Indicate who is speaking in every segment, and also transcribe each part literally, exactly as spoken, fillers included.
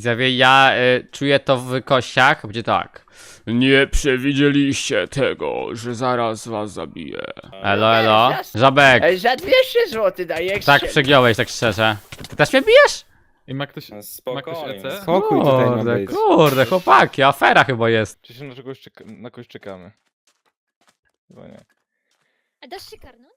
Speaker 1: Widzowie, ja y, czuję to w kościach, będzie tak. Nie przewidzieliście tego, że zaraz was zabiję. Elo, elo. Żabek.
Speaker 2: Ej, za dwieście złotych daję.
Speaker 1: Tak przegiąłeś, tak szczerze. Ty też mnie bijesz?
Speaker 3: I ma ktoś,
Speaker 4: No,
Speaker 3: ma ktoś
Speaker 4: spokojnie.
Speaker 3: E C?
Speaker 5: Spokój tutaj ma
Speaker 1: Kurde,
Speaker 5: być.
Speaker 1: kurde, chłopaki, afera chyba jest.
Speaker 3: Czy się na czegoś czeka, na kogoś czekamy? Chyba nie.
Speaker 6: A dasz się karnąć?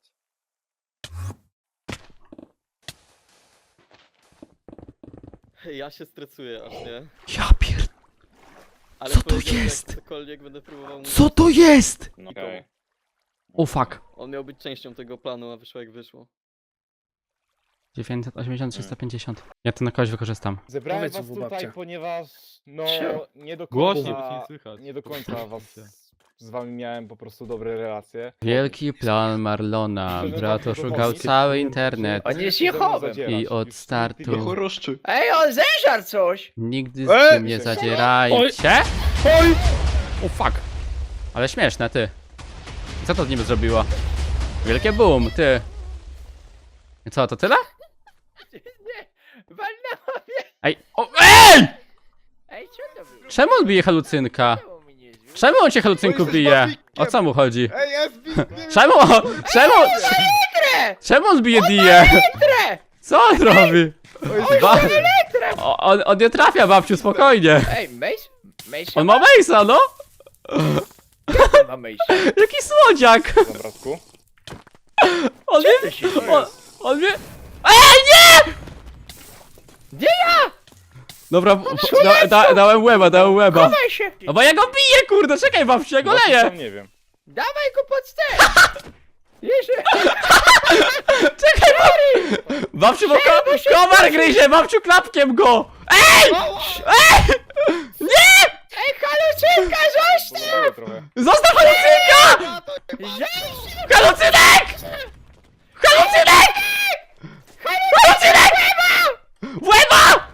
Speaker 7: Ja się stresuję aż, nie?
Speaker 1: Ja pier...
Speaker 7: Ale
Speaker 1: Co to
Speaker 7: powiedział, że
Speaker 1: jest?
Speaker 7: jak cokolwiek będę próbował mu...
Speaker 1: Co to jest?
Speaker 4: No, okej.
Speaker 1: O fuck.
Speaker 7: On miał być częścią tego planu, a wyszło jak wyszło.
Speaker 1: dziewięćset osiemdziesiąt, trzysta pięćdziesiąt. Ja to na kogoś wykorzystam.
Speaker 5: Zebrałem
Speaker 2: Powiedz
Speaker 5: was
Speaker 2: mu,
Speaker 5: tutaj,
Speaker 2: babcia.
Speaker 5: ponieważ no
Speaker 2: Czemu?
Speaker 5: nie do
Speaker 3: Głośniej,
Speaker 5: końca,
Speaker 3: bo cię nie słychać.
Speaker 5: nie do końca was z wami miałem po prostu dobre relacje.
Speaker 1: Wielki plan Marlona. Brat oszukał cały internet.
Speaker 2: On jest
Speaker 5: Ze mną
Speaker 2: Jehowem.
Speaker 5: zadzierać.
Speaker 1: I od
Speaker 5: Już
Speaker 1: startu.
Speaker 5: nigdy nie-
Speaker 4: Choroszczy.
Speaker 2: Ej, on zeżar coś!
Speaker 1: Nigdy z
Speaker 5: Ej!
Speaker 1: tym nie zadzierajcie. O fuck. Ale śmieszne, ty. Co to z nim zrobiło? Wielkie boom, ty. I co, to tyle?
Speaker 2: Nie, walnęła mnie!
Speaker 1: Ej, o, EJ!
Speaker 2: Ej, co to było?
Speaker 1: Czemu on bije halucynka?
Speaker 2: Czemu mi nie zbił?
Speaker 1: Czemu on cię halucynku bije? O co mu chodzi?
Speaker 5: Ej, jest
Speaker 1: Czemu on, czemu, czemu on bije Dię?
Speaker 2: Tre!
Speaker 1: Co on robi? Ba o, on, on nie trafia, babciu, spokojnie.
Speaker 2: Ej, Mace? Mace?
Speaker 1: On ma Mace'a, no?
Speaker 2: ma Mace.
Speaker 1: Jaki słodziak!
Speaker 5: Dobra, bratku.
Speaker 1: On
Speaker 2: Co
Speaker 1: mnie,
Speaker 2: to się dzieje?
Speaker 1: on, on mnie... EJ, nie!
Speaker 2: Gdzie ja?
Speaker 1: Dobra, po- da, da, dałem łeba, dałem łeba.
Speaker 2: Chowaj się!
Speaker 1: No bo ja go biję, kurde, czekaj babciu, ja go
Speaker 5: Właśnie
Speaker 1: leję.
Speaker 5: sam nie wiem.
Speaker 2: Dawaj go pod ster! Jeszcze!
Speaker 1: Czekaj, babciu. Babciu, bo ko komar gryzie, babciu, klapkiem go. Ej! Ej! Nie!
Speaker 2: Ej, halucynka, zostaw!
Speaker 5: Pomogę trochę.
Speaker 1: Zostaw halucynka!
Speaker 2: Zostaw!
Speaker 1: Halucynek! Halucynek! Halucynek! W łeba!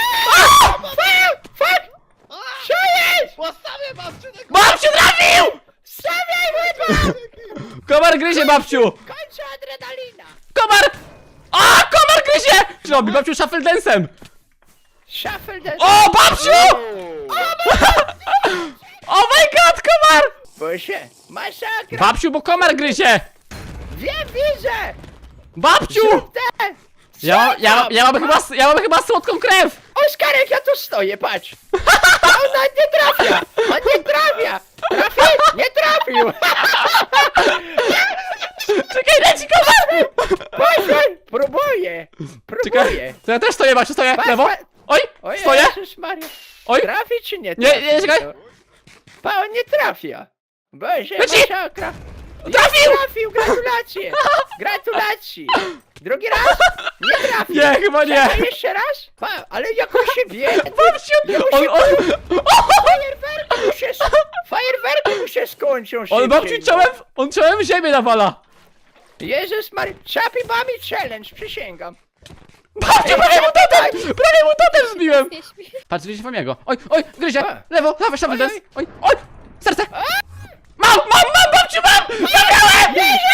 Speaker 2: Fuck! Co jest?
Speaker 1: Babciu trafił!
Speaker 2: Stawiaj łeba!
Speaker 1: Komar gryzie, babciu!
Speaker 2: Kończę adrenalina!
Speaker 1: Komar! A, komar gryzie! Co robi babciu shuffle-dance'em?
Speaker 2: Shuffle the...
Speaker 1: O, babciu! Oh my god, komar!
Speaker 2: Boże, masakra!
Speaker 1: Babciu, bo komar gryzie!
Speaker 2: Wiem, widzę!
Speaker 1: Babciu!
Speaker 2: Te!
Speaker 1: Ja, ja, ja, mam chyba, ja mam chyba słodką krew!
Speaker 2: Oskarek, ja tu stoję, patrz! On nawet nie trafia! On nie trafia! Trafi? Nie trafił!
Speaker 1: Czekaj, leci komar!
Speaker 2: Boże, próbuję! Próbuję!
Speaker 1: Czekaj, to ja też stoję, babciu, stoję,
Speaker 2: Patrz,
Speaker 1: lewo!
Speaker 2: patrz.
Speaker 1: Oj,
Speaker 2: O
Speaker 1: stoję!
Speaker 2: Jezus Maria!
Speaker 1: Oj,
Speaker 2: Trafi czy nie
Speaker 1: Nie,
Speaker 2: trafi?
Speaker 1: nie, czekaj.
Speaker 2: Pa, on nie trafia! Boże,
Speaker 1: Leci.
Speaker 2: masakra!
Speaker 1: trafił!
Speaker 2: Trafił, gratulacje! Gratulacje! Drugi raz? Nie trafił!
Speaker 1: Nie, chyba nie!
Speaker 2: A jeszcze raz? Pa, ale jak on się wie?
Speaker 1: Babciu, on, on,
Speaker 2: Fajerwerki mu się, fajerwerki mu się skończą
Speaker 1: on
Speaker 2: szybciej,
Speaker 1: babciu
Speaker 2: no.
Speaker 1: czołem, on czołem w ziemię nawala!
Speaker 2: Jezus Mary, Chappy Bami Challenge, przysięgam.
Speaker 1: Babciu, prawie mu totem! Prawie mu totem zbiłem!
Speaker 6: Nie śpi.
Speaker 1: Patrz, gryzie Famiego. Oj, oj, gryzie!
Speaker 2: A.
Speaker 1: Lewo, lewo, shuffle
Speaker 2: Oj,
Speaker 1: dance!
Speaker 2: oj.
Speaker 1: Oj, oj! Serce! Mam, mam, mam, babciu, mam! Zabrałem!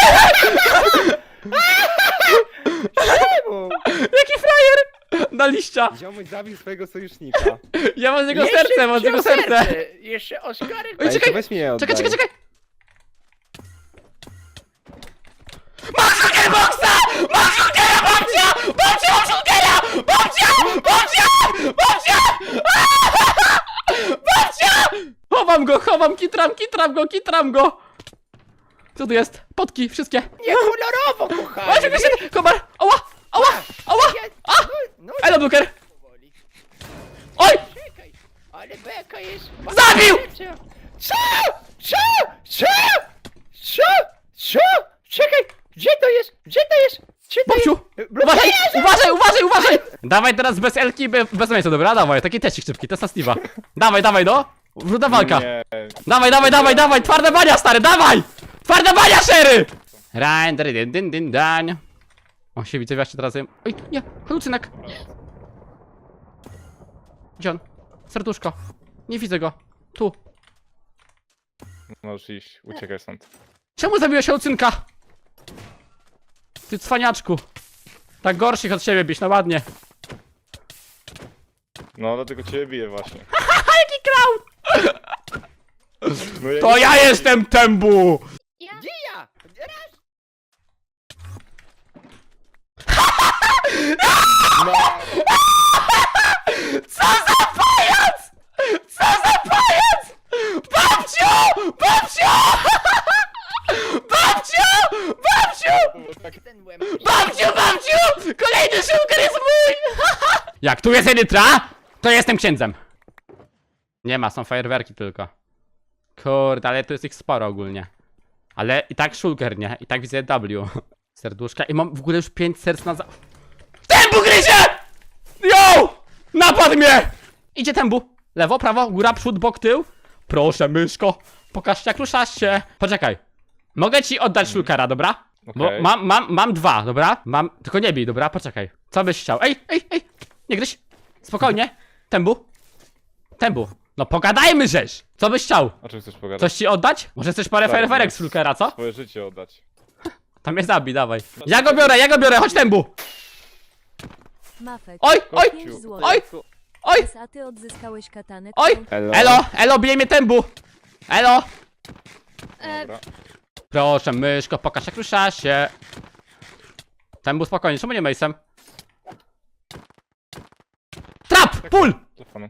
Speaker 2: Czemu?
Speaker 1: Jaki frajer! Na liścia!
Speaker 5: Ziomuś zabił swojego sojusznika.
Speaker 1: Ja mam z niego
Speaker 2: Jeszcze
Speaker 1: serce, mam z niego
Speaker 2: wziął
Speaker 1: serce!
Speaker 2: Jeszcze Oskarek...
Speaker 1: Oj,
Speaker 5: Ej,
Speaker 1: czekaj,
Speaker 5: to weź mi je
Speaker 1: Czekaj,
Speaker 5: oddaj.
Speaker 1: czekaj, czekaj! Mam shulkerboxa! Mam shulkera, babcia! Babcia, mam shulkera! Babcia! Babcia! Babcia! Babcia! Chowam go, chowam, kitram, kitram go, kitram go! Co tu jest? Potki, wszystkie!
Speaker 2: Nie kolorowo,
Speaker 1: Oj,
Speaker 2: kochany!
Speaker 1: czekaj, czekaj, komar! Ała! Ała! Ała!
Speaker 2: Ja-
Speaker 1: A!
Speaker 2: No, no,
Speaker 1: Elo, Bluker!
Speaker 2: powoli.
Speaker 1: Oj!
Speaker 2: Czekaj, ale beka jest...
Speaker 1: Zabił!
Speaker 2: Co? Co? Co? Co? Co? Czekaj, gdzie to jest? Gdzie to jest? Gdzie to
Speaker 1: Babciu!
Speaker 2: jest?
Speaker 1: Uważaj,
Speaker 2: Jezu!
Speaker 1: uważaj, uważaj, uważaj! Dawaj teraz bez Elki, be- bez miejsca, dobra? Dawaj, taki testik szybki, test na Steve'a. Dawaj, dawaj, no! Wrzuta walka!
Speaker 5: Nie.
Speaker 1: Dawaj, dawaj, dawaj, dawaj! Twarda bania, stary, dawaj! Twarda bania, Sherry! Rań, dry, dyn, dyn, dyn, dań. O, się widzę, właśnie teraz jem. Oj, nie, halucynek! Gdzie on? Serduszko. Nie widzę go. Tu.
Speaker 5: Możesz iść, uciekaj stąd.
Speaker 1: Czemu zabiłeś halucynka? Ty cwaniaczku. Tak gorszych od siebie bić, no ładnie.
Speaker 3: No, dlatego ciebie biję właśnie.
Speaker 1: Jaki clown!
Speaker 3: No, ja
Speaker 1: To
Speaker 3: nie-
Speaker 1: ja jestem Tembu!
Speaker 6: Ja?
Speaker 2: Gdzie ja? Raz!
Speaker 3: No,
Speaker 1: Co za pajac! Co za pajac! Babciu! Babciu! Babciu! Babciu!
Speaker 3: to było tak...
Speaker 2: Ten łeb.
Speaker 1: Babciu, babciu! Kolejny szulker jest mój! Jak tu jest Edytra, to jestem księdzem. Nie ma, są fajerwerki tylko. Kurde, ale tu jest ich sporo ogólnie. Ale i tak szulker, nie? I tak widzę W. Serduszka i mam w ogóle już pięć serc na za... Tembu gryzie! Yo! Napadł mnie! Idzie Tembu. Lewo, prawo, góra, przód, bok, tył. Proszę, myszko. Pokażcie jak ruszasz się. Poczekaj. Mogę ci oddać szulkera, dobra? Bo
Speaker 3: Okej.
Speaker 1: mam, mam, mam dwa, dobra? Mam, tylko nie bij, dobra? Poczekaj. Co byś chciał? Ej, ej, ej! Nie gryź! Spokojnie. Tembu. Tembu. No pogadajmy żeś! Co byś chciał?
Speaker 3: O czym chcesz pogadać?
Speaker 1: Coś ci oddać? Może chcesz parę
Speaker 3: Tak,
Speaker 1: fajerwerek
Speaker 3: no.
Speaker 1: z szulkera, co?
Speaker 3: Swoje życie oddać.
Speaker 1: Tam mnie zabij, dawaj. Ja go biorę, ja go biorę, chodź Tembu!
Speaker 4: Mafek.
Speaker 1: Oj, oj,
Speaker 4: pięć
Speaker 3: oj.
Speaker 4: złotych.
Speaker 1: oj, oj!
Speaker 4: A ty odzyskałeś katanę.
Speaker 1: Oj!
Speaker 4: którą-
Speaker 5: Elo.
Speaker 1: Elo, elo, bije mnie Tembu! Elo!
Speaker 6: E,
Speaker 3: Dobra.
Speaker 1: Proszę, myszko, pokaż jak ruszasz się. Tembu, spokojnie, czemu nie Mace'em? Trap! Pull!
Speaker 3: Telefonu.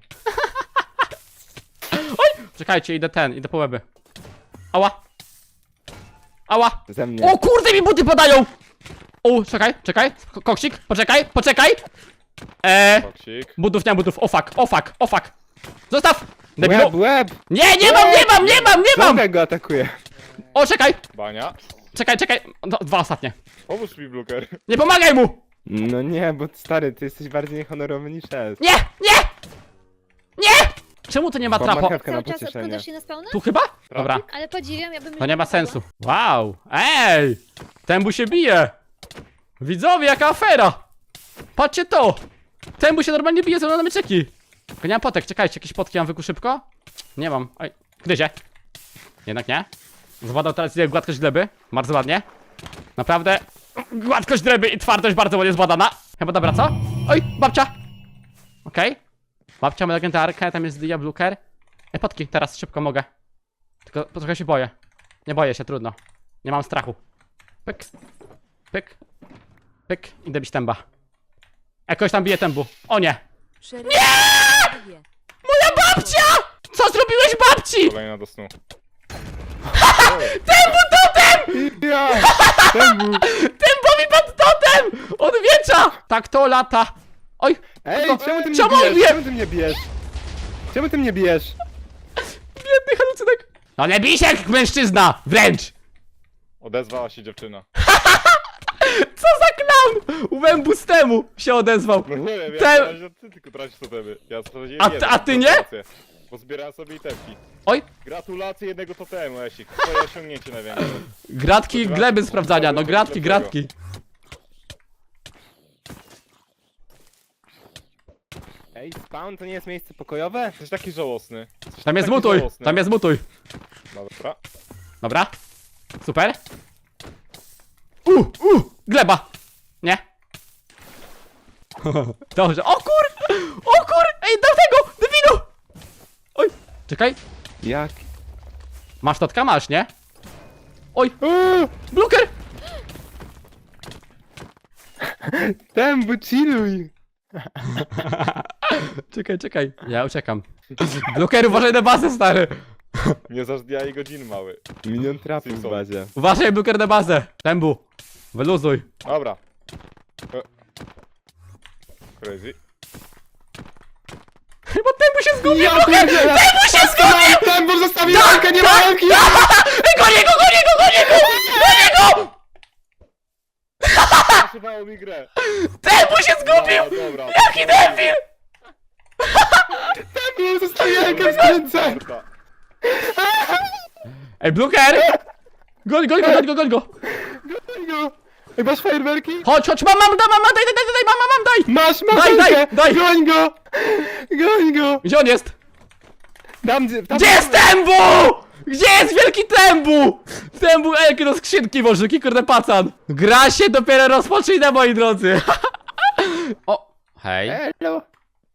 Speaker 1: Czekajcie, idę ten, idę po łeby. Ała! Ała!
Speaker 5: Ze mnie.
Speaker 1: O kurde, mi buty podają! O, czekaj, czekaj, Ko- koksik, poczekaj, poczekaj! Eee,
Speaker 3: Toksik.
Speaker 1: butów, nie mam butów, o fuck, o fuck, o fuck! Zostaw! Debilu!
Speaker 5: Łeb, łeb!
Speaker 1: Nie, nie mam, nie mam, nie mam, nie mam!
Speaker 5: Drogę go atakuje.
Speaker 1: O, czekaj,
Speaker 3: Bania.
Speaker 1: czekaj, czekaj, no, dwa ostatnie.
Speaker 3: Pomóż mi, Bluker.
Speaker 1: Nie pomagaj mu!
Speaker 5: No nie, bo stary, ty jesteś bardziej niehonorowy niż jest.
Speaker 1: Nie, nie! Nie! Czemu to nie ma
Speaker 5: Bo
Speaker 1: trapo?
Speaker 5: marchewka na
Speaker 6: cały czas
Speaker 5: pocieszenie.
Speaker 6: odkładasz się na spawna?
Speaker 1: Tu chyba? Dobra,
Speaker 6: Ale podziwiam, ja bym...
Speaker 1: to nie ma sensu. Wow, ej! Tembu się bije! Widzowie, jaka afera! Patrzcie to! Tembu się normalnie bije ze mną na myczeki! Tylko nie mam potek, czekajcie, jakieś potki mam wyku szybko? Nie mam, oj, gryzie. Jednak nie. Zbadał teraz ile gładkość gleby, bardzo ładnie. Naprawdę, gładkość gleby i twardość bardzo ładnie zbadana. Chyba dobra, co? Oj, babcia! Okej. Babcia ma legendarkę, tam jest Dia Bluker. Ej, potki, teraz szybko mogę. Tylko trochę się boję. Nie boję się, trudno. Nie mam strachu. Pyk. Pyk. Pyk. Idę bić Temba. Jakoś tam bije Tembu. O nie!
Speaker 4: Szereg- Nie!
Speaker 1: Moja babcia! Co zrobiłeś babci?
Speaker 3: Kolejna do snu.
Speaker 1: Tembu totem!
Speaker 5: Ja! Tembu!
Speaker 1: Tembowi pod totem! Od wiecza! Tak to lata. Oj!
Speaker 5: Ej,
Speaker 1: Tylko-
Speaker 5: czemu ty mnie
Speaker 1: czemu on
Speaker 5: bijesz?
Speaker 1: bije?
Speaker 5: Czemu ty mnie bijesz? Czemu ty mnie bijesz?
Speaker 1: Biedny halucynek. No nie bij się jak mężczyzna! Wręcz!
Speaker 3: Odezwała się dziewczyna.
Speaker 1: Co za clown! Łębu z temu się odezwał.
Speaker 3: No nie wiem, ja
Speaker 1: Te-
Speaker 3: na razie ty tylko tracisz totemy. Ja sprawdziłem
Speaker 1: A ty-
Speaker 3: jeden,
Speaker 1: a ty nie?
Speaker 3: gratulacje. Bo zbierałem sobie itemki.
Speaker 1: Oj!
Speaker 3: Gratulacje jednego totemu, Esik. Twoje osiągnięcie największe.
Speaker 1: Gratki gleby sprawdzania, no gratki, gratki.
Speaker 5: Ej, spawn to nie jest miejsce pokojowe?
Speaker 3: Jesteś taki żałosny. Jesteś
Speaker 1: Tam jest
Speaker 3: taki
Speaker 1: mutuj,
Speaker 3: żałosny.
Speaker 1: tam jest mutuj.
Speaker 3: Dobra.
Speaker 1: Dobra. Super. U, u, gleba. Nie. Dobrze. O kur! O kur! Ej, do tego! Debilu! Oj, czekaj.
Speaker 5: Jak?
Speaker 1: Masz totka? Masz, nie? Oj,
Speaker 5: Uuu,
Speaker 1: Bluker!
Speaker 5: Tembu, chilluj!
Speaker 1: Czekaj, czekaj. Ja uciekam. Bluker, uważaj na bazę, stary.
Speaker 3: Nie zaż dnia i godzin, mały.
Speaker 5: Milion trapów w
Speaker 3: Simpson.
Speaker 5: bazie.
Speaker 1: Uważaj, Bluker, na bazę. Tembu. Wyluzuj.
Speaker 3: Dobra. E. Crazy.
Speaker 1: Chyba Tembu się zgubił,
Speaker 5: Ja
Speaker 1: Bluker!
Speaker 5: pierdzielę!
Speaker 1: Tembu się zgubił!
Speaker 5: Tembu, zostawił rękę, nie ma ręki!
Speaker 1: Ej, gonię go, gonię go, gonię go! Gonię go!
Speaker 3: Zaszywało mi grę.
Speaker 1: Tembu się zgubił!
Speaker 3: No, dobra.
Speaker 1: Jaki debil!
Speaker 5: Tembu, zostawił rękę w ręce!
Speaker 3: Dobra.
Speaker 1: Ej, Bluker! Goń, goń go, goń go, goń go!
Speaker 5: Daj go! Ej, masz fajerwerki?
Speaker 1: Chodź, chodź, mam, mam, daj, mam, daj, daj, daj, daj, mam, mam, mam, daj!
Speaker 5: Masz, masz
Speaker 1: Daj, daj,
Speaker 5: rękę!
Speaker 1: daj.
Speaker 5: Goń go! Goń go!
Speaker 1: Gdzie on jest?
Speaker 5: Tam, tam,
Speaker 1: Gdzie jest Tembu? Gdzie jest wielki Tembu? Tembu, ej, jakie do skrzynki może, jaki kurde pacan. Gra się dopiero rozpoczyna, moi drodzy. O, hej.
Speaker 5: Elo!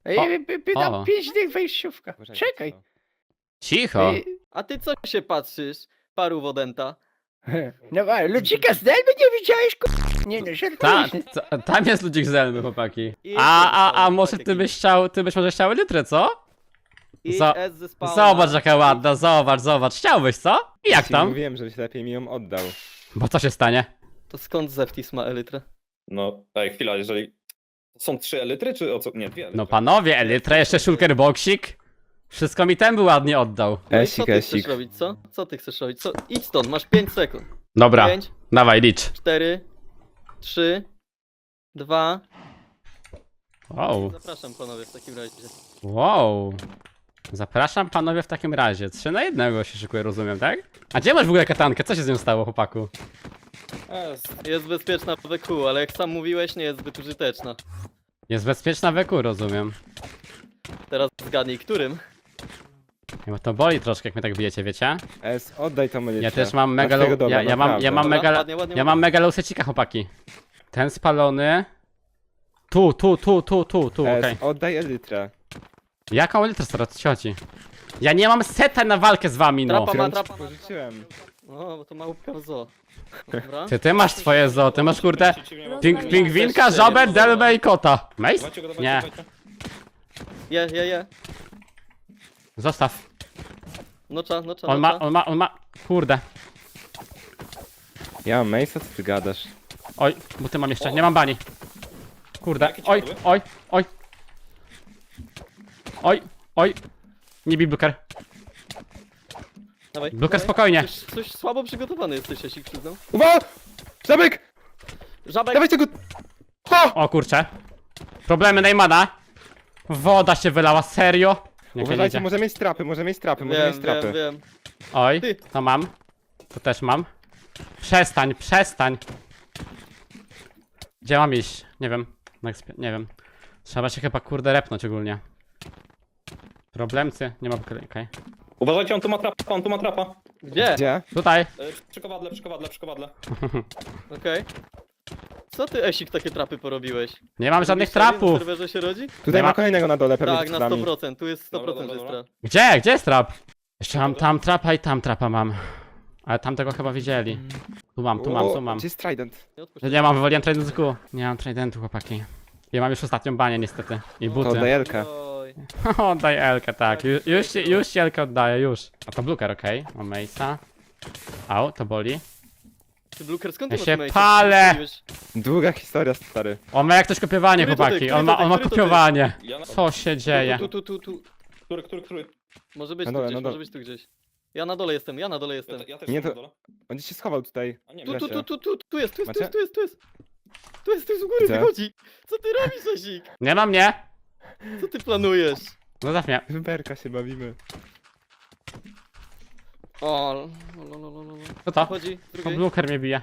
Speaker 2: Ej,
Speaker 1: O,
Speaker 2: by, by, by
Speaker 1: o.
Speaker 2: dam pięć dych wejściówka. Czekaj.
Speaker 1: Cicho.
Speaker 2: Ej,
Speaker 7: A ty co się patrzysz, paru wodęta?
Speaker 2: No ale ludzika z Delby nie widziałeś, ku... Nie no,
Speaker 1: Ta,
Speaker 2: żartuję.
Speaker 1: ta, tam jest ludzik zelny, chłopaki.
Speaker 7: I
Speaker 1: A, a, a
Speaker 7: jest
Speaker 1: może
Speaker 7: taki-
Speaker 1: ty byś chciał, ty byś może chciał litrę, co?
Speaker 7: I
Speaker 1: Za-
Speaker 7: S ze spawna.
Speaker 1: Zobacz jaka ładna, zobacz, zobacz. Chciałbyś, co? I jak
Speaker 5: Ci
Speaker 1: tam?
Speaker 5: Mówiłem, żebyś lepiej mi ją oddał.
Speaker 1: Bo co się stanie?
Speaker 7: To skąd Zeftis ma elytrę?
Speaker 8: No, ej, chwila, jeżeli... Są trzy elitry, czy o co? Nie, dwie elitry.
Speaker 1: No panowie, Elytra, jeszcze shulker boxik. Wszystko mi ten by ładnie oddał.
Speaker 7: No i
Speaker 5: Esik,
Speaker 7: co ty chcesz
Speaker 5: esik.
Speaker 7: robić, co? Co ty chcesz robić? Co? Idź stąd, masz pięć sekund.
Speaker 1: Dobra,
Speaker 7: pięć,
Speaker 1: dawaj, licz.
Speaker 7: cztery, trzy, dwa.
Speaker 1: Wow,
Speaker 7: Zapraszam panowie w takim razie.
Speaker 1: wow. Zapraszam panowie w takim razie. Trzy na jednego się szykuje, rozumiem, tak? A gdzie masz w ogóle katankę? Co się z nią stało, chłopaku?
Speaker 8: Jest.
Speaker 7: Jest bezpieczna w W Q, ale jak sam mówiłeś, nie jest zbyt użyteczna.
Speaker 1: Jest bezpieczna w eku, rozumiem.
Speaker 7: Teraz zgadnij, którym?
Speaker 1: Nie, bo to boli troszkę, jak mnie tak bijecie, wiecie?
Speaker 5: Es, oddaj tą elitrę.
Speaker 1: Ja też mam
Speaker 5: Masz
Speaker 1: mega
Speaker 5: tego
Speaker 1: low,
Speaker 5: dobra,
Speaker 1: ja, ja mam, ja
Speaker 5: naprawdę.
Speaker 1: mam
Speaker 7: Dobra,
Speaker 1: mega,
Speaker 7: ładnie, ładnie,
Speaker 1: ja mam mega low secika, chłopaki. Ten spalony. Tu, tu, tu, tu, tu, tu,
Speaker 5: Es,
Speaker 1: okej.
Speaker 5: oddaj elitrę.
Speaker 1: Jaką litrę stara, co ci chodzi? Ja nie mam seta na walkę z wami, no.
Speaker 7: Trapa ma,
Speaker 5: Którą ci
Speaker 7: trapa ma.
Speaker 5: pożyczyłem.
Speaker 7: O, bo to małpka w zoo. Dobra.
Speaker 1: Ty, ty masz swoje zo, ty masz kurde
Speaker 8: Przeciwnie,
Speaker 1: ping,
Speaker 4: Rozmawiamy.
Speaker 1: pingwinka,
Speaker 7: Też
Speaker 1: żabę,
Speaker 7: cztery,
Speaker 1: delbę i kota. Mace?
Speaker 8: Dawajcie go, dawajcie,
Speaker 1: Nie,
Speaker 8: dawajcie.
Speaker 7: Je, je, je.
Speaker 1: zostaw.
Speaker 7: Nocza, nocza,
Speaker 1: On ma,
Speaker 7: nocza.
Speaker 1: on ma, on ma, kurde.
Speaker 5: Ja mam Mace'a, co ty gadasz?
Speaker 1: Oj, bo ty mam jeszcze, nie mam bani. Kurde,
Speaker 8: Jakie ci
Speaker 1: oj,
Speaker 8: padły?
Speaker 1: oj, oj. Oj, oj. Nie bij Bluker.
Speaker 7: Dawaj,
Speaker 1: Bluker,
Speaker 7: dawaj.
Speaker 1: spokojnie.
Speaker 7: Coś, coś słabo przygotowany jesteś, jeśli przyznam.
Speaker 5: Uwaga! Żabek!
Speaker 7: Żabek!
Speaker 5: Dawaj tego... O!
Speaker 1: O kurcze. Problemy Neymana. Woda się wylała, serio? Nie, nie,
Speaker 5: Uważajcie,
Speaker 1: nie.
Speaker 5: może mieć trapy, może mieć trapy, może
Speaker 7: Wiem,
Speaker 5: mieć trapy.
Speaker 7: wiem, wiem.
Speaker 1: Oj,
Speaker 7: Ty.
Speaker 1: to mam. To też mam. Przestań, przestań. Gdzie mam iść? Nie wiem. Na ekspie- Nie wiem. Trzeba się chyba kurde repnąć ogólnie. Problemcy? Nie ma okej. Okay.
Speaker 8: Uważajcie, on tu ma trapa, on tu ma trapa.
Speaker 7: Gdzie?
Speaker 5: Gdzie?
Speaker 1: Tutaj.
Speaker 8: E, Przy kowadle, przy kowadle, przy kowadle.
Speaker 7: Okej. Co ty, Esik, takie trapy porobiłeś?
Speaker 1: Nie mam żadnych
Speaker 7: Lubisz serii
Speaker 1: trapów.
Speaker 7: Na serwerze się rodzi?
Speaker 5: Tutaj
Speaker 1: Nie ma-
Speaker 5: ma kolejnego na dole, pewnie
Speaker 7: Tak,
Speaker 5: przed
Speaker 7: na
Speaker 5: nami.
Speaker 7: sto procent. Tu jest sto
Speaker 8: Dobra,
Speaker 7: procent, że
Speaker 8: dobra,
Speaker 7: jest
Speaker 8: dobra.
Speaker 7: trap.
Speaker 1: Gdzie? Gdzie jest trap? Jeszcze mam tam trapa i tam trapa mam. Ale tamtego chyba widzieli. Tu mam, tu mam, tu
Speaker 5: O,
Speaker 1: mam.
Speaker 5: Gdzie jest Trident?
Speaker 7: Nie odpuść.
Speaker 1: Ja nie mam, wywaliłem tridentu. Nie mam tridentu, chłopaki. Ja mam już ostatnią banię niestety. I
Speaker 5: To
Speaker 1: buty.
Speaker 5: oddaj Elkę.
Speaker 7: Oj.
Speaker 1: Oddaj Elkę, tak. Ju, już, ci- już ci Elkę oddaję, już. A to Bluker, okej. Mam Mace'a. Au, to boli.
Speaker 7: Ty, Bluker, skąd
Speaker 1: Ja
Speaker 7: ty
Speaker 1: się
Speaker 7: masz mace'a?
Speaker 1: palę!
Speaker 7: Zrobiłeś?
Speaker 5: Długa historia, stary.
Speaker 1: On ma jak coś kopiowanie,
Speaker 7: Który to ty?
Speaker 1: chłopaki.
Speaker 7: Który
Speaker 1: On
Speaker 7: to
Speaker 1: ma,
Speaker 7: ty?
Speaker 1: on ma
Speaker 7: Który to ty?
Speaker 1: kopiowanie.
Speaker 8: Ja na...
Speaker 1: Co się dzieje?
Speaker 7: Tu, tu, tu, tu, tu.
Speaker 8: Który, który, który?
Speaker 7: Może być
Speaker 5: Na
Speaker 7: tu
Speaker 5: dole,
Speaker 7: gdzieś,
Speaker 5: na dole.
Speaker 7: może być tu gdzieś. Ja na dole jestem, ja na dole
Speaker 8: Ja,
Speaker 7: jestem.
Speaker 8: te- ja też
Speaker 5: Nie,
Speaker 8: nie,
Speaker 5: to-
Speaker 8: to... dole.
Speaker 5: On gdzieś się schował tutaj.
Speaker 8: A nie,
Speaker 7: Tu,
Speaker 8: wiem.
Speaker 7: tu, tu, tu, tu, tu jest, tu jest, tu
Speaker 5: Macie?
Speaker 7: jest, tu jest, tu jest. Tu jest, tu jest u góry,
Speaker 5: Widzę.
Speaker 7: wychodzi. Co ty robisz, Esik?
Speaker 1: Nie ma mnie.
Speaker 7: Co ty planujesz?
Speaker 1: Zostaw mnie.
Speaker 5: W berka się bawimy.
Speaker 7: O, lo, lo, lo, lo, lo.
Speaker 1: Co to?
Speaker 7: Chodzi,
Speaker 1: To
Speaker 7: drugiej.
Speaker 1: Bluker mnie bije.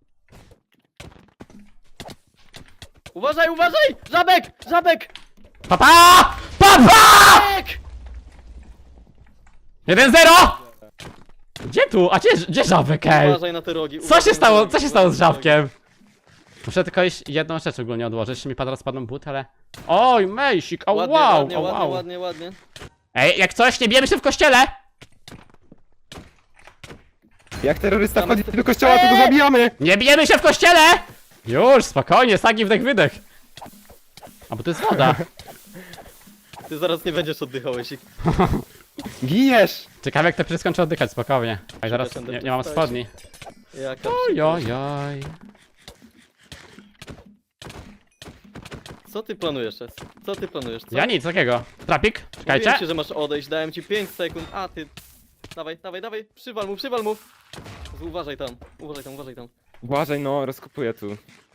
Speaker 7: Uważaj, uważaj! Żabek! Żabek!
Speaker 1: Papa! Papa!
Speaker 7: Żabek!
Speaker 1: jeden zero! Gdzie tu? A gdzie, gdzie żabek, ej?
Speaker 7: Uważaj na te rogi.
Speaker 1: Co
Speaker 7: uważaj
Speaker 1: się
Speaker 7: na
Speaker 1: stało?
Speaker 7: te rogi,
Speaker 1: Co się stało z
Speaker 7: uważaj na te rogi.
Speaker 1: żabkiem? Muszę tylko iść jedną rzecz ogólnie odłożyć. Jeszcze mi pada spadną but, ale... Oj, mejsik, o
Speaker 7: Ładnie,
Speaker 1: wow,
Speaker 7: ładnie,
Speaker 1: o
Speaker 7: ładnie,
Speaker 1: wow.
Speaker 7: ładnie, ładnie.
Speaker 1: Ej, jak coś, nie bijemy się w kościele!
Speaker 5: Jak terrorysta
Speaker 7: Tam
Speaker 5: wchodzi
Speaker 7: jest-
Speaker 5: do kościoła, to go zabijamy!
Speaker 1: Nie bijemy się w kościele! Już, spokojnie, sagi wdech wydech. A bo to jest woda.
Speaker 7: Ty zaraz nie będziesz oddychał, jeśli...
Speaker 5: Giniesz!
Speaker 1: Ciekawe jak te psy skończą oddychać, spokojnie. A zaraz
Speaker 7: Przepraszam,
Speaker 1: nie, nie mam
Speaker 7: dostałeś.
Speaker 1: spodni.
Speaker 7: Jaka
Speaker 1: Ojojoj.
Speaker 7: Co ty planujesz, Es? Co ty planujesz, co?
Speaker 1: Ja nic, takiego. Trapik, czekajcie.
Speaker 7: Mówiłem ci, że masz odejść, dałem ci pięć sekund, a ty... Dawaj, dawaj, dawaj, przywal mu, przywal mu! Uważaj tam, uważaj tam, uważaj tam.
Speaker 5: Uważaj, no, rozkopuję tu.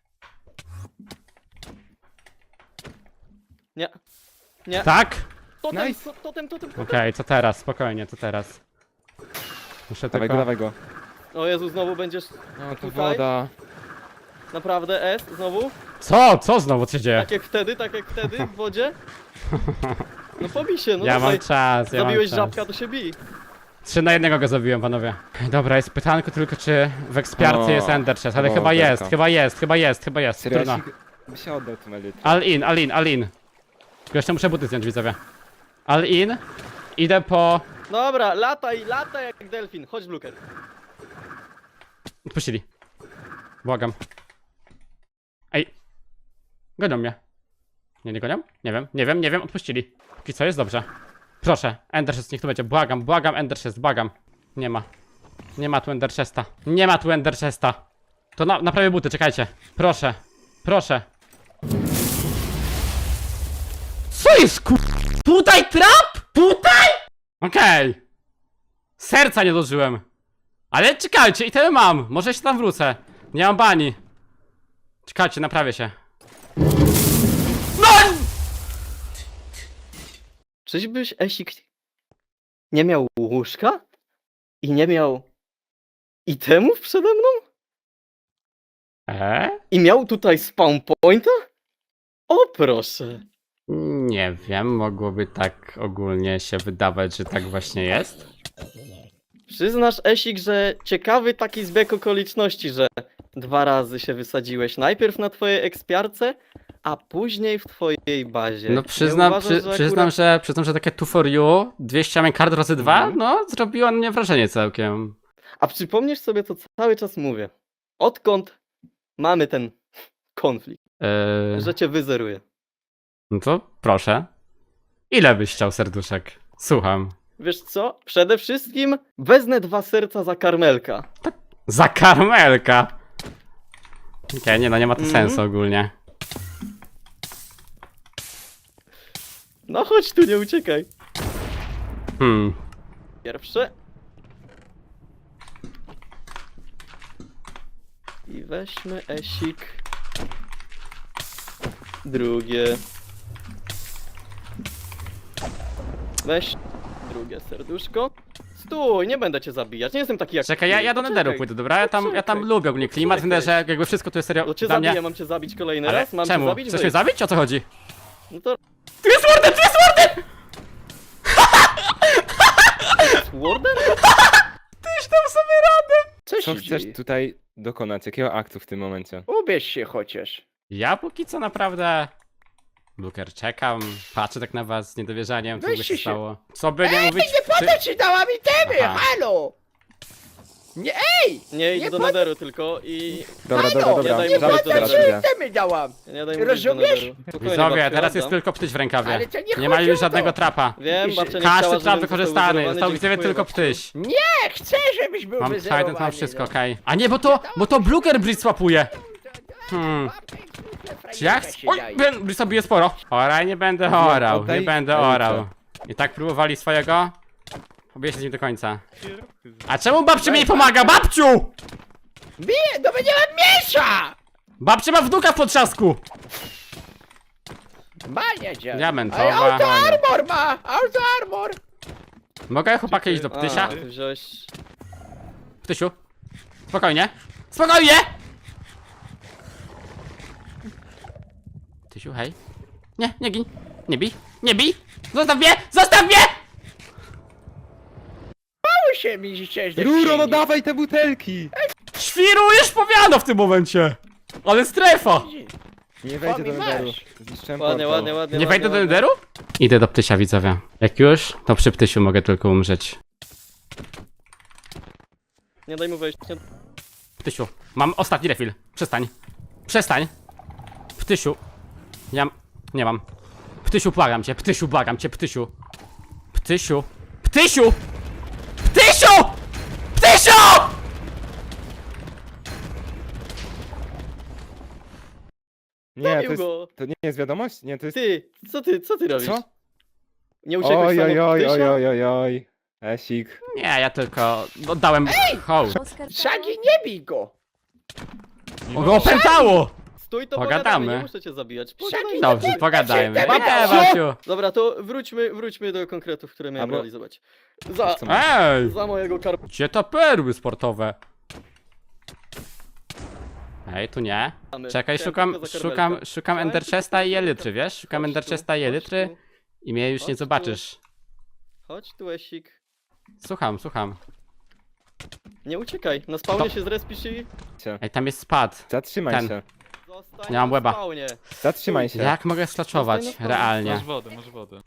Speaker 7: Nie. Nie.
Speaker 1: Tak?
Speaker 7: Totem,
Speaker 5: Nice.
Speaker 7: to- totem, totem, totem.
Speaker 1: Okej, co teraz? Spokojnie, co teraz? Muszę
Speaker 5: Dawaj
Speaker 1: tylko...
Speaker 5: go, dawaj go.
Speaker 7: O Jezu, znowu będziesz...
Speaker 5: No, to
Speaker 7: Tutaj?
Speaker 5: woda.
Speaker 7: Naprawdę, S, znowu?
Speaker 1: Co? Co znowu, co się dzieje?
Speaker 7: Tak jak wtedy, tak jak wtedy w wodzie? No pobij się, no
Speaker 1: Ja mam
Speaker 7: dawaj.
Speaker 1: czas, ja
Speaker 7: Zabiłeś
Speaker 1: mam czas.
Speaker 7: żabka, to się bij.
Speaker 1: Trzy na jednego go zabiłem, panowie. Dobra, jest pytanko tylko, czy w ekspiarce
Speaker 5: O,
Speaker 1: jest Ender Chest, ale
Speaker 5: o,
Speaker 1: chyba
Speaker 5: belka.
Speaker 1: jest, chyba jest, chyba jest, chyba jest.
Speaker 5: Serio,
Speaker 1: Trudno.
Speaker 5: Esik by się oddał tą elitrę.
Speaker 1: All in, all in, all in. Tylko jeszcze muszę buty zdjąć, widzowie. All in. Idę po...
Speaker 7: Dobra, lataj, lataj jak delfin. Chodź, Bluker.
Speaker 1: Odpuścili. Błagam. Ej. Gonią mnie. Nie, nie gonią? Nie wiem, nie wiem, nie wiem, odpuścili. Póki co jest dobrze. Proszę, Ender Chest niech tu będzie. Błagam, błagam, Ender Chest, błagam. Nie ma. Nie ma tu Ender Chesta. Nie ma tu Ender Chesta. To na, naprawię buty, czekajcie. Proszę, proszę. Co jest ku... Tutaj trap? Tutaj? Okej. Serca nie dożyłem. Ale czekajcie, i tyle mam. Może się tam wrócę. Nie mam bani. Czekajcie, naprawię się. No!
Speaker 7: Czyżbyś, Esik, nie miał łóżka? I nie miał itemów przede mną?
Speaker 1: Eee?
Speaker 7: I miał tutaj spawn pointa? O proszę.
Speaker 1: Nie wiem, mogłoby tak ogólnie się wydawać, że tak właśnie jest.
Speaker 7: Przyznasz, Esik, że ciekawy taki zbieg okoliczności, że dwa razy się wysadziłeś. Najpierw na twojej ekspiarce, a później w twojej bazie.
Speaker 1: No
Speaker 7: Nie
Speaker 1: przyznam,
Speaker 7: uważasz,
Speaker 1: przy,
Speaker 7: że
Speaker 1: przyznam,
Speaker 7: akurat-
Speaker 1: że, przyznam, że takie two for you, dwieście main card razy dwa,
Speaker 7: Mhm.
Speaker 1: no zrobiło na mnie wrażenie całkiem.
Speaker 7: A przypomnisz sobie to, co cały czas mówię. Odkąd mamy ten konflikt,
Speaker 1: Eee,
Speaker 7: że cię wyzeruję.
Speaker 1: no to proszę. Ile byś chciał serduszek? Słucham.
Speaker 7: Wiesz co? Przede wszystkim wezmę dwa serca za karmelka.
Speaker 1: Za karmelka! Okej, nie no, nie ma to
Speaker 7: Mhm.
Speaker 1: sensu ogólnie.
Speaker 7: No chodź tu, nie uciekaj.
Speaker 1: Hmm.
Speaker 7: Pierwsze. I weźmy Esik. Drugie. Weź drugie serduszko. Stój, nie będę cię zabijać, nie jestem taki jak
Speaker 1: Czekaj, ja, ja do
Speaker 7: Poczekaj.
Speaker 1: Nederu pójdę, dobra? Ja tam, ja tam
Speaker 7: Poczekaj.
Speaker 1: lubię ogólnie klimat, w
Speaker 7: Poczekaj.
Speaker 1: Nederze, jakby wszystko tu jest serio
Speaker 7: To cię
Speaker 1: dla
Speaker 7: zabiję,
Speaker 1: mnie.
Speaker 7: mam cię zabić kolejny
Speaker 1: Ale
Speaker 7: raz? Mam
Speaker 1: czemu?
Speaker 7: cię zabić?
Speaker 1: Chcesz mnie
Speaker 7: Wyjdź.
Speaker 1: zabić? O co chodzi?
Speaker 7: No to
Speaker 1: Tu jest Warden, tu jest Warden!
Speaker 7: Warden?
Speaker 1: Tyś tam sobie radę!
Speaker 2: Co
Speaker 3: Co
Speaker 2: się
Speaker 3: chcesz
Speaker 2: dzieje?
Speaker 3: tutaj dokonać? Jakiego aktu w tym momencie?
Speaker 2: Ubierz się chociaż.
Speaker 1: Ja póki co naprawdę... Luker, czekam, patrzę tak na was z niedowierzaniem, co by
Speaker 2: Weźcie
Speaker 1: się
Speaker 2: się.
Speaker 1: stało. Co by nie mówić...
Speaker 2: Nie po to ci dałam itemy,
Speaker 1: Aha.
Speaker 2: halo! Nie, ej!
Speaker 7: Nie idź
Speaker 2: Nie
Speaker 7: do
Speaker 2: pod-
Speaker 7: Nederu tylko i...
Speaker 3: Dobra,
Speaker 2: Halo,
Speaker 3: dobra, dobra.
Speaker 7: nie daj
Speaker 2: Nie
Speaker 7: mu
Speaker 2: po
Speaker 3: Zaraz,
Speaker 7: mówić
Speaker 2: to
Speaker 7: do
Speaker 3: zaraz
Speaker 2: ci
Speaker 7: Nederu.
Speaker 3: idę.
Speaker 2: itemy dałam!
Speaker 7: Nie daj mówić do
Speaker 2: Rozumiesz?
Speaker 7: Nederu. Spokojnie,
Speaker 1: Widzowie,
Speaker 7: babcia,
Speaker 1: teraz jest
Speaker 7: oddam.
Speaker 1: tylko ptyś w rękawie.
Speaker 2: Ale to nie
Speaker 1: Nie ma
Speaker 2: chodzi
Speaker 1: już
Speaker 2: o
Speaker 1: żadnego
Speaker 2: to.
Speaker 1: trapa.
Speaker 7: Wiem, babcia nie
Speaker 1: Każdy
Speaker 7: chciała,
Speaker 1: trap
Speaker 7: żebym
Speaker 1: wykorzystany,
Speaker 7: został
Speaker 1: został widzowie
Speaker 7: wyzerowany,
Speaker 1: tylko
Speaker 7: dziękuję
Speaker 1: ptyś.
Speaker 2: Nie, chcę, żebyś był
Speaker 1: Mam
Speaker 2: wyzerowany.
Speaker 1: Trident, mam wszystko,
Speaker 2: no.
Speaker 1: okej. A nie, bo to, bo to Bluker Bridge swapuje. Hmm. Czy ja chcę... Oj, Ben Bridge bije sporo. Oraj, nie będę orał, nie
Speaker 3: oddaj
Speaker 1: będę
Speaker 3: elitę.
Speaker 1: orał. I tak próbowali swojego. Pobiję się z nim do końca. A czemu babci mi nie pomaga? Babciu!
Speaker 2: Bije, no bo nie mam miecza!
Speaker 1: Babcia ma wnuka w potrzasku!
Speaker 2: Ma jedzie.
Speaker 1: Diamentowa,
Speaker 2: Ale auto
Speaker 1: ale-
Speaker 2: armor ma! Auto armor!
Speaker 1: Mogę chłopaka iść do
Speaker 7: A,
Speaker 1: ptysia?
Speaker 7: ty wziąłeś...
Speaker 1: Ptysiu. Spokojnie. Spokojnie! Ptysiu, hej. Nie, nie gin. Nie bij. Nie bij! Zostaw mnie! Zostaw mnie!
Speaker 2: Mało się mi chciałeś
Speaker 3: Ruro, no dawaj te butelki!
Speaker 1: Świrujesz powiano w tym momencie! Ale strefa!
Speaker 3: Nie wejdzie do
Speaker 2: mi
Speaker 3: Nederu.
Speaker 2: masz.
Speaker 3: Zniszczyłem
Speaker 7: Ładnie,
Speaker 3: portal.
Speaker 7: ładnie, ładnie.
Speaker 1: Nie
Speaker 7: ładnie,
Speaker 1: wejdę do
Speaker 7: ładnie.
Speaker 1: Nederu? Idę do ptysia, widzowie. Jak już, to przy ptysiu mogę tylko umrzeć.
Speaker 7: Nie daj mu wejść. Nie...
Speaker 1: Ptysiu, mam ostatni refill. Przestań. Przestań. Ptysiu. Ja... Nie mam. Ptysiu, błagam cię. Ptysiu, błagam cię. Ptysiu. Ptysiu. Ptysiu! Ptysiu! Ptysiu!
Speaker 3: Nie, to
Speaker 7: Zabił
Speaker 3: jest,
Speaker 7: go.
Speaker 3: to nie jest wiadomość? Nie, to jest...
Speaker 7: Ty, co ty, co ty robisz?
Speaker 3: Co?
Speaker 7: Nie uciekłeś
Speaker 3: Oj,
Speaker 7: sam
Speaker 3: oj,
Speaker 7: od
Speaker 3: oj,
Speaker 7: ptysia?
Speaker 3: oj, oj, oj, oj. Esik.
Speaker 1: Nie, ja tylko oddałem hołd.
Speaker 4: Oskar
Speaker 2: Szagi, nie bij go!
Speaker 1: O, go opętało!
Speaker 7: Stój, to
Speaker 1: Pogadamy.
Speaker 7: pogadamy. Nie muszę cię zabijać. Pogadajmy.
Speaker 1: Dobrze, pogadajmy.
Speaker 2: Dobra,
Speaker 1: Nie,
Speaker 2: co?
Speaker 1: Maciu.
Speaker 7: Dobra, to wróćmy, wróćmy do konkretów, które miałem
Speaker 3: Albo-
Speaker 7: realizować. Za,
Speaker 3: Co masz?
Speaker 1: Ej!
Speaker 7: za mojego karma.
Speaker 1: Gdzie to perły sportowe? Ej, tu nie. Czekaj,
Speaker 7: Chciałem
Speaker 1: szukam,
Speaker 7: tylko za
Speaker 1: szukam,
Speaker 7: karmelka.
Speaker 1: szukam
Speaker 7: Chciałem
Speaker 1: Ender
Speaker 7: tylko
Speaker 1: Chesta i
Speaker 7: za
Speaker 1: Elytry,
Speaker 7: karmelka.
Speaker 1: wiesz? Szukam
Speaker 7: Chodź
Speaker 1: Ender
Speaker 7: tu,
Speaker 1: Chesta i
Speaker 7: chodź
Speaker 1: Elytry
Speaker 7: tu,
Speaker 1: i mnie już nie
Speaker 7: Chodź tu.
Speaker 1: zobaczysz.
Speaker 7: Chodź tu, Esik.
Speaker 1: Słucham, słucham.
Speaker 7: Nie uciekaj, na spawnie się zrespisz i...
Speaker 1: Ej, tam jest spad.
Speaker 3: Zatrzymaj
Speaker 1: Ten.
Speaker 3: się.
Speaker 7: Zostań
Speaker 1: Nie mam
Speaker 7: na
Speaker 1: łeba.
Speaker 7: spawnie.
Speaker 5: Zatrzymaj się.
Speaker 1: Jak mogę sklaczować
Speaker 7: Zostań na
Speaker 1: realnie?
Speaker 9: Masz wodę, masz wodę.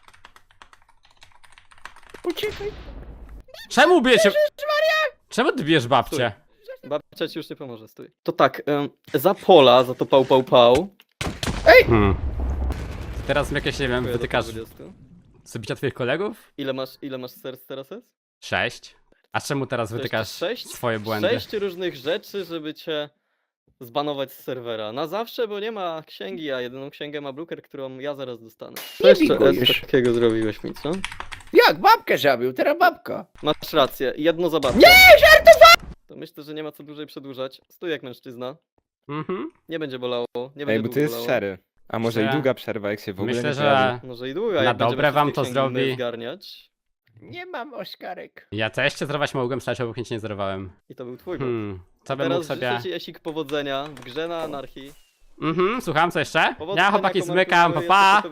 Speaker 2: Uciekaj.
Speaker 1: Czemu bijecie? Czemu ty bijesz babcię?
Speaker 7: Babcia ci już nie pomoże, stój. To tak, em, za pola, za to pał, pał, pał.
Speaker 1: Hmm. Teraz mi jakieś, nie wiem,
Speaker 7: Dziękuję do
Speaker 1: wytykasz
Speaker 7: dwudziestu.
Speaker 1: zabicia twoich kolegów?
Speaker 7: Ile masz, ile masz serc teraz jest?
Speaker 1: Sześć. A czemu teraz
Speaker 7: To
Speaker 1: wytykasz
Speaker 7: jeszcze sześć?
Speaker 1: swoje błędy?
Speaker 7: Sześć różnych rzeczy, żeby cię zbanować z serwera. Na zawsze, bo nie ma księgi, a jedyną księgę ma Bluker, którą ja zaraz dostanę. Co
Speaker 2: Nie
Speaker 7: jeszcze
Speaker 2: bigujesz.
Speaker 7: S takiego zrobiłeś mi, co?
Speaker 2: Jak babkę zabił, teraz babka.
Speaker 7: Masz rację, jedno zabawne. Nie, żartowałem! To myślę, że nie ma co dłużej przedłużać. Stój jak mężczyzna.
Speaker 1: Mhm.
Speaker 7: Nie będzie bolało, nie
Speaker 5: Ej,
Speaker 7: będzie
Speaker 5: bo to
Speaker 7: długo
Speaker 5: jest
Speaker 7: bolało.
Speaker 5: szery. A może
Speaker 1: Myślę-
Speaker 5: i długa przerwa, jak się w ogóle
Speaker 1: Myślę,
Speaker 5: nie
Speaker 1: że
Speaker 5: pojawi.
Speaker 7: Może i długa,
Speaker 1: Na
Speaker 7: jak będziemy
Speaker 1: dobre wam
Speaker 7: wszystkie
Speaker 1: to
Speaker 7: księgi inne
Speaker 1: zrobi.
Speaker 7: zgarniać.
Speaker 2: Nie mam Oskarek.
Speaker 1: ja też cię zerwać mogłem, przecież obok nic nie zerwałem.
Speaker 7: I to był twój błąd.
Speaker 1: Hmm. Co
Speaker 7: A
Speaker 1: bym mógł
Speaker 7: teraz
Speaker 1: sobie...
Speaker 7: życzę ci, Esik, powodzenia w grze na anarchii.
Speaker 1: Mhm, słucham, co jeszcze?
Speaker 7: Powodzenia
Speaker 1: Ja chłopaki
Speaker 7: komarku,
Speaker 1: zmykam, pa
Speaker 7: jeszcze
Speaker 1: pa!
Speaker 7: po